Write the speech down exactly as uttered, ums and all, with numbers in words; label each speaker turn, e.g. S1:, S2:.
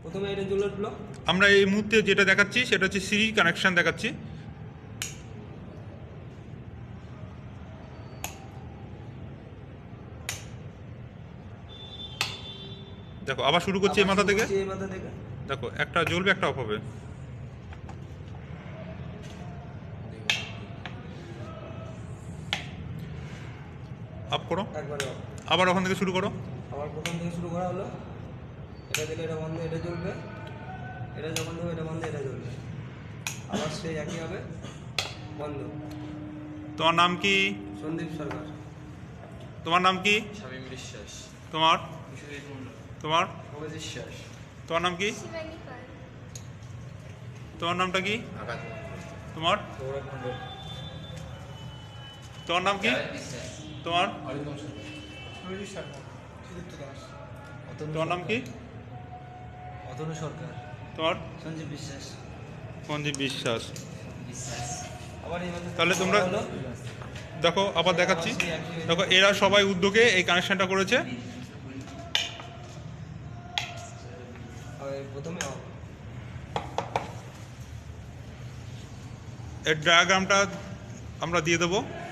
S1: প্রথমে এটা জ্বলে উঠলো।
S2: আমরা এই মুহূর্তে যেটা দেখাচ্ছি সেটা হচ্ছে সিরি কানেকশন দেখাচ্ছি। দেখো আবার শুরু করছি এই মাথা থেকে।
S1: এই মাথা থেকে
S2: দেখো একটা জ্বলবে একটা অফ হবে। আপ করো,
S1: একবারে
S2: আবার ওখান থেকে শুরু করো।
S1: আবার প্রথম থেকে শুরু করা হলো। এটা দিলে এটা বন্ধ, এটা জ্বলবে। এটা যখন দেবো এটা বন্ধ, এটা জ্বলবে। আবার সেই একই হবে, বন্ধ।
S2: তোমার নাম কি?
S1: সন্দীপ সরকার।
S2: তোমার নাম কি?
S3: শামীম বিশ্বাস।
S2: তোমার?
S3: বিশ্বজিৎ মণ্ডল।
S2: তোমার?
S3: অমিত বিশ্বাস।
S2: তোমার নাম কি?
S4: শিবানী পাল।
S2: তোমার নামটা কি?
S3: আকাশ মণ্ডল।
S2: তোমার?
S3: সৌরভ মণ্ডল।
S2: তোমার নাম কি? তোমার?
S3: অরিন্দম সরকার।
S1: সুরজিৎ সরকার। সুদীপ্ত দাস।
S2: তোমার নাম কি?
S1: অতনু সরকার।
S2: তোমার?
S1: সঞ্জীব বিশ্বাস।
S2: সঞ্জীব বিশ্বাস।
S3: বিশ্বাস।
S1: আবার এই মাথা
S2: তাহলে তোমরা
S1: হলো।
S2: দেখো আবার দেখাচ্ছি। দেখো এরা সবাই উদ্যোগে এই কানেকশনটা করেছে।
S1: আর প্রথমে অফ।
S2: এর ডায়াগ্রামটা আমরা দিয়ে দেবো।